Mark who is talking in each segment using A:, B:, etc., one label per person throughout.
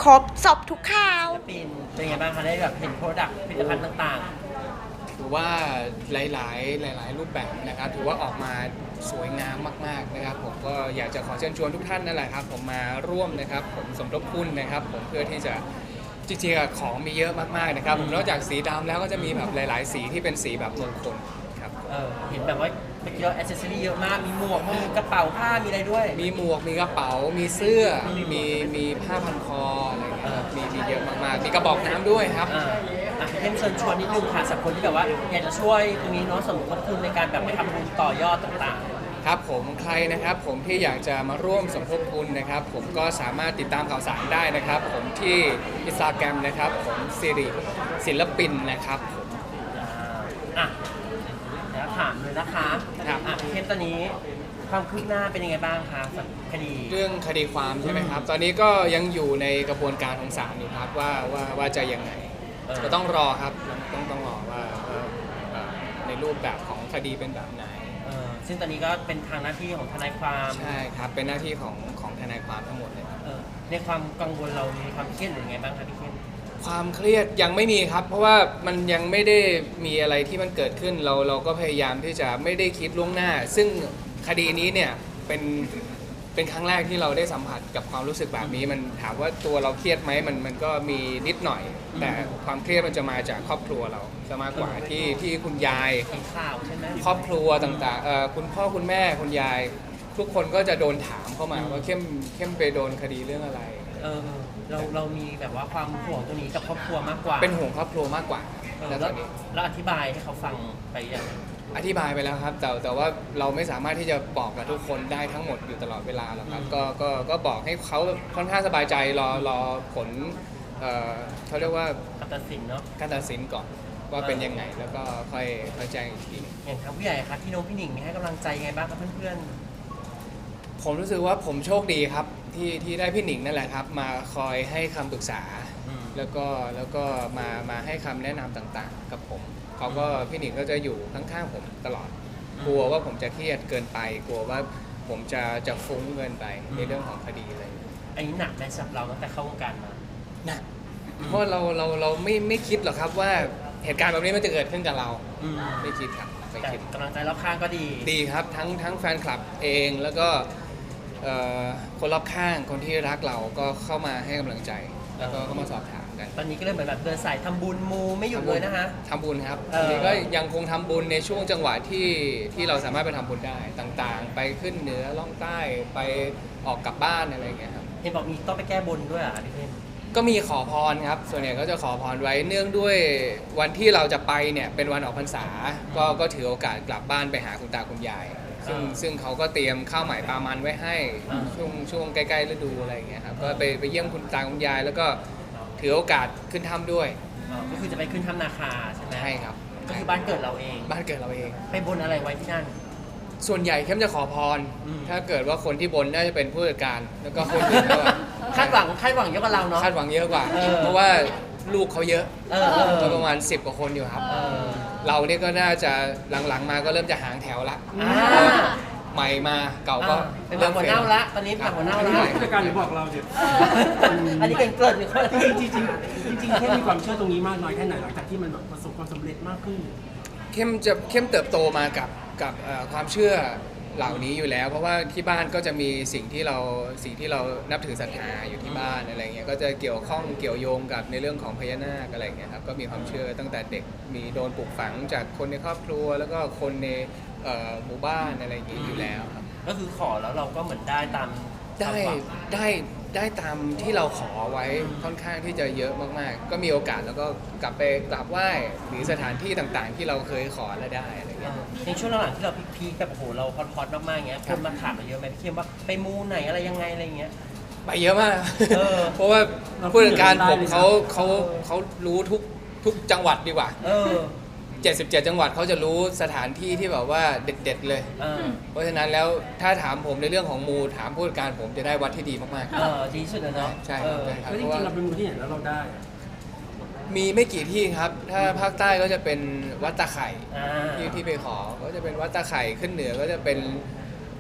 A: รบสอบทุกข่าว
B: ศิลปินเป็นไงบ้างคะได้แบบเห็นโปรดักต์ผลิตภัณฑ์ต่าง
C: ถือว่าหลายรูปแบบนะครับถือว่าออกมาสวยงามมากๆนะครับผมก็อยากจะขอเชิญชวนทุกท่านนั่นแหละครับผมมาร่วมนะครับผมสมทบทุนนะครับผมเพื่อที่จะจริงๆอะของมีเยอะมากๆนะครับผมนอกจากสีดำแล้วก็จะมีแบบหลายๆสีที่เป็นสีแบบมงคลครับ
B: เห็นแบบว่าเมื่อกี้เราแอคเซสซอรี่เยอะมากมีหมวกมีกระเป๋าผ้ามีอะไรด้วย
C: มีหมวกมีกระเป๋ามีเสื้อมีผ้าพันคออะไรอย่างเงี้ยครับมีเยอะมากๆมีกระบอกน้ำด้วยครับ
B: เพิ่มเชิญชวนนิดนึงค่ะสำหรับคนที่แบบว่าอยากจะช่วยตรงนี้เนาะสมทบทุนในการแบบไปทำบุญต่อยอดต่าง
C: ครับผมใครนะครับผมที่อยากจะมาร่วมสมทบทุนนะครับผมก็สามารถติดตามข่าวสารได้นะครับผมที่ Instagram นะครับผมสิริศิลปินนะครับผม
B: ๆแล้วถามเลยนะคะ
C: ครับ
B: เข้มตอนนี้ความคืบหน้าเป็นยังไงบ้างคะสำหรับคดี
C: เรื่องคดีความใช่ไหมครับตอนนี้ก็ยังอยู่ในกระบวนการของศาลอยู่ครับว่าจะยังไงก็ต้องรอครับต้องรอว่าในรูปแบบของคดีเป็นแบบไหน
B: ซึ่งตอนนี้ก็เป็นทางหน้าที่ของทนายความ
C: ใช่ครับเป็นหน้าที่ของทนายความทั้งหมดเลยครับ
B: ในความกังวลเรามีความเครียดหรือยังไงบ้างคะพี่เข้ม
C: ความเครียดยังไม่มีครับ เพราะว่ามันยังไม่ได้มีอะไรที่มันเกิดขึ้นเราก็พยายามที่จะไม่ได้คิดล่วงหน้า ซึ่งคดีนี้เนี่ยเป็นครั้งแรกที่เราได้สัมผัสกับความรู้สึกแบบนี้มันถามว่าตัวเราเครียดไหมมันก็มีนิดหน่อย แต่ความเครียดมันจะมาจากครอบครัวเราจะมากกว่าที่คุณยาย
B: เห็นข่าวใช่ไหม
C: ครอบครัวต่างๆคุณพ่อคุณแม่คุณยาย ทุกคนก็จะโดนถามเข้ามาว่าเข้มไปโดนคดีเรื่องอะไร
B: เรามีแบบว่าความห่วงตรงนี้กับครอบครัวมากกว่า
C: เป็นห่วงครอบครัวมากกว่า
B: แล้ว
C: ตอนนี้
B: แล้วอธิบายให้เขาฟังไปอย่างไร
C: อธิบายไปแล้วครับแต่ว่าเราไม่สามารถที่จะบอกกับทุกคนได้ทั้งหมดอยู่ตลอดเวลาหรอกครับก็บอกให้เขาค่อนข้างสบายใจรอผลเขาเรียกว่า
B: การตัดสินเนาะ
C: การตัดสินก่อนว่าเป็นยังไงแล้วก็ค่อยแจ้งอีกที
B: อย่างทางผู้ใหญ่ครับพี่น้องพี่หนิงมีให้กำลังใจยังไงบ้างครับเพื่อน
C: ผมรู้สึกว่าผมโชคดีครับที่ได้พี่หนิงนั่นแหละครับมาคอยให้คำปรึกษา แล้วก็มาให้คำแนะนำต่างๆ กับผมเขาก็พี่หนิงก็จะอยู่ข้างๆผมตลอด กลัวว่าผมจะเครียดเกินไป กลัวว่าผมจะฟุ้งเกินไปในเรื่องของคดีอะไรอย่างเงี้ย
B: ๆอันนี้หนักไหมสำหรับเราตั้งแต่เข้าวงการมา
C: หนักเพราะเราไม่คิดหรอกครับว่าเหตุการณ์แบบนี้มันจะเกิดขึ้นกับเราไม่คิดครับไม่
B: แต่
C: คิด
B: กำลังใจรอบข้างก็ดี
C: ดีครับทั้งแฟนคลับเองแล้วก็คนรอบข้างคนที่รักเราก็เข้ามาให้กำลังใจ แล้วก็เข้ามาสอบถามกัน
B: ตอนนี้ก็เลยเหมือนแบบเดินสายทำบุญมูไม่หยุดเลยนะคะ
C: ทำบุญครับทีนี้ก็ยังคงทำบุญในช่วงจังหวะที่เราสามารถไปทำบุญได้ต่างๆ ไปขึ้นเหนือล่องใต้ไปออกกลับบ้านอะไรอย่างเงี้ยครับ
B: เห็นบอกมีต้องไปแก้บนด้วยอ่ะพี่เข้ม
C: ก็มีขอพรครับส่วนใหญ่ก็จะขอพรไว้เนื่องด้วยวันที่เราจะไปเนี่ยเป็นวันออกพรรษาก็ถือโอกาสกลับบ้านไปหาคุณตาคุณยายซึ่งเขาก็เตรียมข้าวใหม่ปลามันไว้ให้ช่วงใกล้ๆฤดูอะไรอย่างเงี้ยครับก็ไปเยี่ยมคุณตาคุณยายแล้วก็ถือโอกาสขึ้นถ้ำด้วย
B: ก็คือจะไปขึ้นถ้ำนาคาใช่ไหม
C: ใช่ครับ
B: ก็คือบ้านเกิดเราเอง
C: บ้านเกิดเราเอง
B: ไปบนอะไรไว้ที่นั่น
C: ส่วนใหญ่เข้มจะขอพร ถ้าเกิดว่าคนที่บนน่าจะเป็นผู้จัดการ แล้วก็คนอื่นก็
B: คาดหวังเยอะกว่าเราเนาะ
C: คาดหวังเยอะกว่า เพราะว่าลูกเขาเยอะ
B: ก็
C: ประมาณ10 กว่าคนอยู่ครับ เราเนี่ยก็น่าจะหลังๆมาก็เริ่มจะหางแถวละใหม่มาเก่าก็
B: เป็นแบบหัวเน่าละตอนนี้แบบหัวเน่าละ
D: ผู้จัดการหรือบอกเราเดี๋ยว
B: อันนี้เป็นเกริดหรือ
D: จริงแค่มีความเชื่อตรงนี้มากน้อยแค่ไหนหลังจากที่มันแบบประสบความสำเร็จมากขึ้น
C: เข้มเติบโตมากับความเชื่อเหล่านี้อยู่แล้ว เพราะว่าที่บ้านก็จะมีสิ่งที่เรานับถือศรัทธาอยู่ที่บ้านอะไรเงี้ยก็จะเกี่ยวข้องเกี่ยวโยงกับในเรื่องของพญานาคอะไรเงี้ยครับก็มีความเชื่อตั้งแต่เด็กมีโดนปลูกฝังจากคนในครอบครัว แล้วก็คนในหมู่บ้านอะไรอย่างงี้อยู่แล้วครับ
B: ก็คือขอแล้วเราก็เหมือนได้ตาม
C: ได้ตามที่เราขอไว้ค่อนข้างที่จะเยอะมากๆ ก็มีโอกาสแล้วก็กลับไปกราบไหว้หรือสถานที่ต่างๆ ที่เราเคยขอแล้วได้อะไรเงี้ย
B: ในช่วงหลังๆที่เราพีคๆแบบโอ้โหเราฮอตๆมากๆเงี้ยคนมาถามเราเยอะไหมพี่เข้มว่าไปมูไหนอะไรยังไงอะไรเงี้ย
C: ไปเยอะมาก
B: เออ
C: เพราะว่าผู้จัดการผมเขารู้ทุกจังหวัดดีกว่า 77 จังหวัดเขาจะรู้สถานที่ที่แบบว่าเด็ดๆเลย เพราะฉะนั้นแล้วถ้าถามผมในเรื่องของมูถามผู้จัดการผมจะได้วัดที่ดีมาก
B: ดีสุดเลยเนาะ
C: ๆใช่ครับใช่ครับ
D: แล้วจ
C: เพราะ
D: ริ
C: ว่าง
D: ๆเราเป็นมือที่ไหนแล้วเราได้
C: มีไม่กี่ที่ครับ ถ้าภาคใต้ก็จะเป็นวัดตะไคร่
B: อ่า
C: ที่ไปขอก็จะเป็นวัดตะไคร่ขึ้นเหนือก็จะเป็น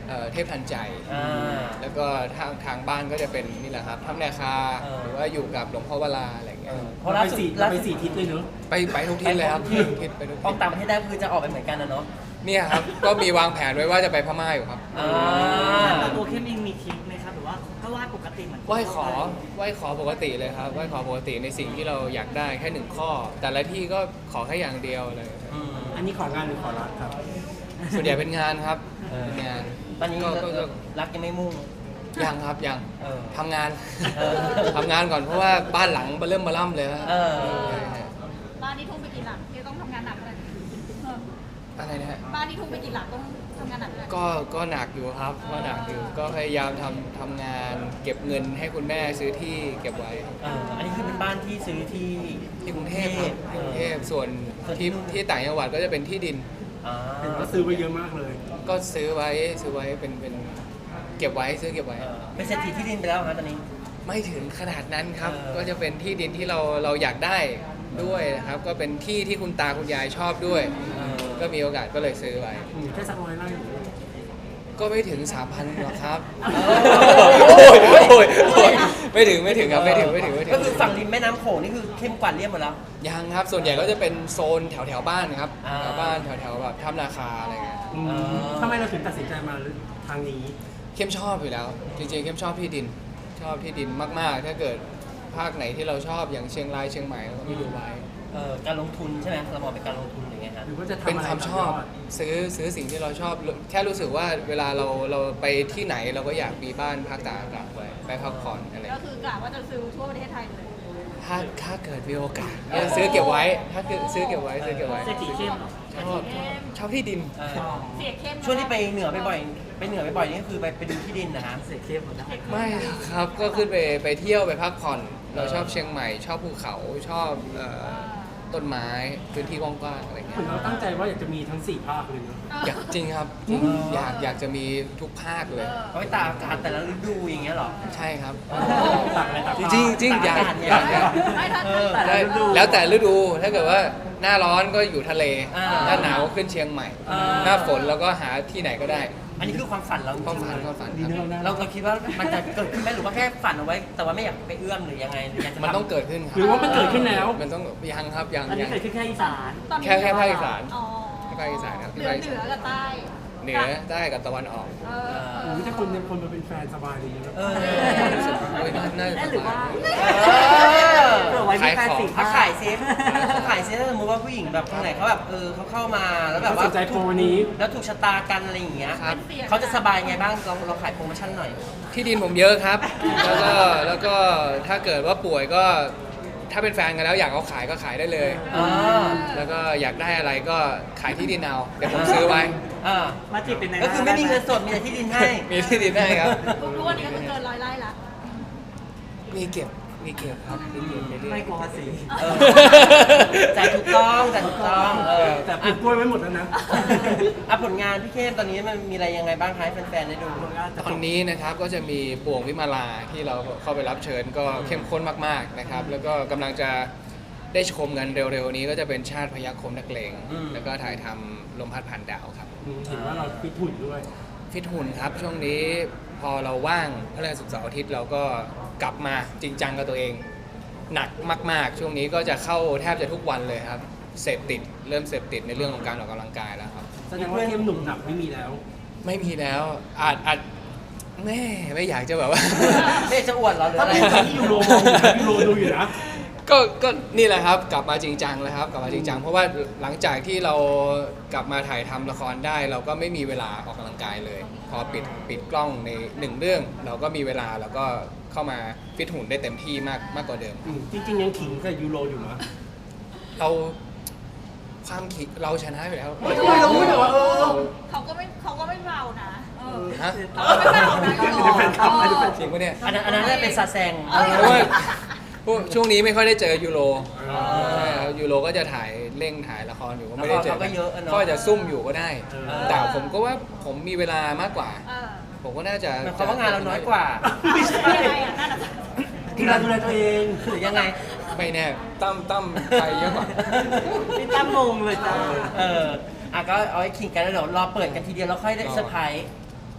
C: เทพทันใจ
B: อ่า
C: แล้วก็ทางบ้านก็จะเป็นนี่แหละครับถ้ำนาคา หรือว่าอยู่กับหลวงพ่อวราอะไรอย่างเงี้ย
B: เพราะล่าสุด
D: เราไปสี่ทิศเลยเนอะ
C: ไปทุกที่เลยครับ
B: ที่
C: ทุกทิศไปทุก
B: อ
C: ทิ
B: อก
C: ศ
B: ต่างประเทศได้คือจะออกไปเหมือนกันนะเนาะ
C: เนี่ยครับ ก็มีวางแผนไว้ว่าจะไปพม่าอยู่ครับ
B: อ่า
A: แต่ตัวเข้มเองมีทริคไหมครับหรือว่าก็วาดปกติเหมือน
C: ไหว้ขอปกติเลยครับไหว้ขอปกติในสิ่งที่เราอยากได้แค่หนึ่งข้อ แต่ละที่ก็ขอแค่อย่างเดียวเลย
B: อืม
D: อันนี้ของานหรือขอรักครับ
C: ส่วนใหญ่เป็นงานครับ
B: เออ
C: เป็นงาน
B: ตอนนี้
C: ก็
B: รักยังไม่มุ่ง
C: ยังครับยัง
B: เออ
C: ทำงาน
B: เออ
C: ทำงานก่อนเพราะว่าบ้านหลังเริ่มมาล่ำเลยฮะ
B: เออ
C: ใช่ฮะ
E: บ้านนี้ทุ่มไปกี่หลักที่ต้องทำงานหนักเลย
C: อะไรนะฮะ
E: บ้านนี้ทุ่มไปกี่หลักต้องทำงานหนักเลย
C: ก็หนักอยู่ครับก็หนักอยู่ก็พยายามทำงานเก็บเงินให้คุณแม่ซื้อที่เก็บไว้ครับ
B: อันนี้คือเป็นบ้านที่ซื้อที่
C: ที่กรุงเทพครับที่กรุงเทพส่วนที่ต่างจังหวัดก็จะเป็นที่ดิน
B: อ่า
D: เห็นว่าซื้อไปเยอะมากเลย
C: ก็ซื้อไว้เป็นเก็บไว้ซื้อเก็บไว้
B: เป็นเศรษฐีที่ดินไปแล้วครับตอนนี้
C: ไม่ถึงขนาดนั้นครับ
B: เออ
C: ก็จะเป็นที่ดินที่เราอยากได้ด้วยนะครับ ก็เป็นที่ที่คุณตาคุณยายชอบด้วย ก็มีโอกาสก็เลยซื้อไว้
D: แค่สัก100 ไร่
C: ก็ไม่ถึง 3,000หรอกครับ
B: โอ้ย
C: ไม่ถึงครับไม่ถึง
B: ก็คือฝั่งริมแม่น้ำโขงนี่คือเข้มกว่าเรียบหมดแล้ว
C: ยังครับส่วนใหญ่ก็จะเป็นโซนแถวบ้านครับ
B: อ่า
C: แถวบ้านแถวแบบถ้ำนาคาอะไรเงี้ย
D: ทำไมเราถึงตัดสินใจมาทางนี้
C: เข้มชอบอยู่แล้ว จริงๆเข้มชอบที่ดินมากๆ ถ้าเกิดภาคไหนที่เราชอบอย่างเชียงรายเชียงใหม่เราก็ไม่ดูไว้
B: การลงทุนใช่ไหมเรามองเป็นการลงทุนอย่างเงี้ยฮะ
D: หรือว่าจะทำ
C: เป็น
D: อะไร
C: ความชอบซื้อสิ่งที่เราชอบ แค่รู้สึกว่าเวลาเราไปที่ไหนเราก็อยากมีบ้านพักตากอากาศไว้ไปพักผ่อนอะไร
E: ก็คือกะว่าจะซื้อทั่วประเทศไทยเลย
C: ถ้าเกิดมีโอกาสซื้อเก็บไว้ถ้าเกิดซื้อเก็บไว้
A: เศรษฐีเข้มเหรอ
C: ชอบที่ดิน
E: เสียเข้ม
B: ช่วงที่ไปเหนือบ่อยๆนี่คือไปดูที่ดินนะฮะ
A: เศษเข้มหมดแล้ว
C: ไม่หรอกครับก็ขึ้นไปเที่ยวไปพักผ่อน เราชอบเชียงใหม่ ชอบภูเขาชอบต้นไม้พื้นที่กว้างๆอะไร
D: เห
C: เงี้
D: มือย นเราตั้งใจว่าอยากจะมีทั้ง4 ภาคเลยเนอะ
C: อยากจริงครับจริงอยากจะมีทุกภาคเลย
B: เขาไปตากอากาศแต่ละฤดูอย่างเงี้ยเหรอ
C: ใช่ครับ
D: ตักอะไรตัก
C: จริงอยาก
E: ไม่ถ้า
B: เออ
C: แล้วแต่ฤดูถ้าเกิดว่าหน้าร้อนก็อยู่ทะเล
B: อ่า
C: หน้าหนาวก็ขึ้นเชียงใหม่
B: อ่า
C: หน้าฝนเราก็หาที่ไหนก็ได้
B: อันนี้คือความฝันเราจริงๆ
C: ความฝันครับ
B: เราคิดว่ามันจะเกิดขึ้นไหมหรือว่าแค่ฝันเอาไว้ แต่ว่าไม่อยากไปเอื้อมหรือยังไงหรืออยากจะ
C: มัน
B: ทำ
C: ต้องเกิดขึ้นค
D: หรือ
C: รับ
D: ว่ามันเกิดขึ้นแล้ว
C: มันต้องยังครับยัง
A: อันนี้
C: ยัง
A: เกิดขึ้นแค่อีสาน
E: ตอนนี้
C: แค่ภาคอีสาน
E: อ๋อ
C: แค่ภาคอีสานครับ
E: เหนือกับใต้
C: เหนือใต้กับตะวันออก
E: เออ
D: โอ้ยถ้าคนมาเป็นแฟนสบายเลยนะ
B: เออ
C: โอ้ยน่าจะ
A: หรือว่า
C: สบาย
A: เผื่อไว้มีแฟนสี่
B: ถ้า
A: ภาค
B: ขายเซฟขายเซฟถ้าสมมติว่าผู้หญิงแบบคนไหนเขาแบบเขาเข้ามาแล้วแบบ
D: เขา
B: ว่า
D: สนใจโปรนี้
B: แล้วถูกชะตากันอะไรอย่างเงี้ย
C: ครับ
B: เขาจะสบายไงบ้างเราขายโปรโมชั่นหน่อย
C: ที่ดินผมเยอะครับ แล้วก็ถ้าเกิดว่าป่วยก็ถ้าเป็นแฟนกันแล้วอยากเอาขายก็ขายได้เลย
B: อ่า
C: แล้วก็อยากได้อะไรก็ขายที่ดินเอาเดี๋ยวผมซื้อไว้
B: อ่า
A: มาจีบเป็นใน
B: ก็คือไม่มีเงินสดมีแต่ที่ดินให้
C: มีที่ดินให้ครับ
E: รู้วันนี้ก็คือเกิน100 ไร่ละ
C: มีเก็บครับมีเก็บเรื่อยๆ
A: ไม่กลัวภาษี
B: เออจ่ายถูกต้อง
D: แต่ปลูกกล้วยไว้หมดแล้วนะ
B: ผลงานพี่เข้มตอนนี้มันมีอะไรยังไงบ้างคะให้แฟนๆได้ดู
C: ตอนนี้นะครับก็จะมีป่วงวิมาลาที่เราเข้าไปรับเชิญก็เข้มข้นมากๆนะครับ แล้วก็กำลังจะได้ชมกันเร็วๆนี้ก็จะเป็นชาติพยัคฆ์คมนักเลงแล้วก็ถ่ายทำลมพัดผ่านดาวครับ
D: เห็นว่าเราฟิตหุ่นด้วย
C: ฟิตหุ่นครับช่วงนี้พอเราว่างพฤหัสศุกร์เสาร์อาทิตย์เราก็กลับมาจริงจังกับตัวเอง หนักมากๆ ช่วงนี้ก็จะเข้าแทบจะทุกวันเลยครับเริ่มเสพติดในเรื่องของการออกกำลังกายแล้วครับ
D: แสดงว่าเข้มหนุ่มหนักไม่มีแล้ว
C: ไม่มีแล้วอาจแม่ไม่อยากจะแบบว่า
B: ไม่จะอวดเราหรือ
D: ถ้า
B: อะไร
D: เป็นที่ยูโรมองอยู่นะยูโรดูอยู่นะ
C: ก็นี่แหละครับกลับมาจริงจังแล้วครับกลับมาจริงจังเพราะว่าหลังจากที่เรากลับมาถ่ายทำละครได้ เราก็ไม่มีเวลาออกกำลังกายเลย พอปิดกล้องในหนึ่งเรื่อง เราก็มีเวลาเราก็เข้ามาฟิตหุ่นได้เต็มที่มากกว่าเดิม
D: จริงๆยังขิงกับยูโรอยู่นะ
C: เราความคิดเราชนะไปแล้ว
D: ไม่รู้แต่ว่า
E: เขาก็ไม่เบานะเออ
C: ฮะ
E: เขาก็ไม่เบานะยูโร
D: เป็นแฟนคลับเป็นแฟน
C: จริงปะเนี่ย
B: อันนั้นน่าเป็นซาแซง
C: เพราะว่าพวกช่วงนี้ไม่ค่อยได้เจอยูโรใช่ครับยูโรก็จะถ่ายละครอยู่ก็ไม่ได้เจอ
B: ละครเขาก็เยอะอะเนาะ
C: ก็จะซุ่มอยู่ก็ได้
B: เออ
C: แต่ผมก็ว่าผมมีเวลามากกว่า
E: เออ
C: ผมก็น่าจะ
B: หมายความว่างานเราน้อยกว่า
D: ไม่ใช่
E: ยังไงอ่ะนั่นอ่ะ
D: ดูแลตัวเอง
B: หรือยังไง
C: ไม่แน่ตั้มไปเยอะกว่า
A: พี่ตั้มงงเลยจ้า
B: ก็เอาไว้ขิงกันแล้วเดี๋ยวรอเปิดกันทีเดียวแล้วค่อยได้เซอร์ไพรส์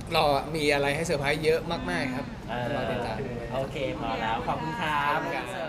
C: รอมีอะไรให้เซอร์ไพรส์เยอะมากๆครับรอติดตาม
B: โอเคพอแล้วขอบคุณครับ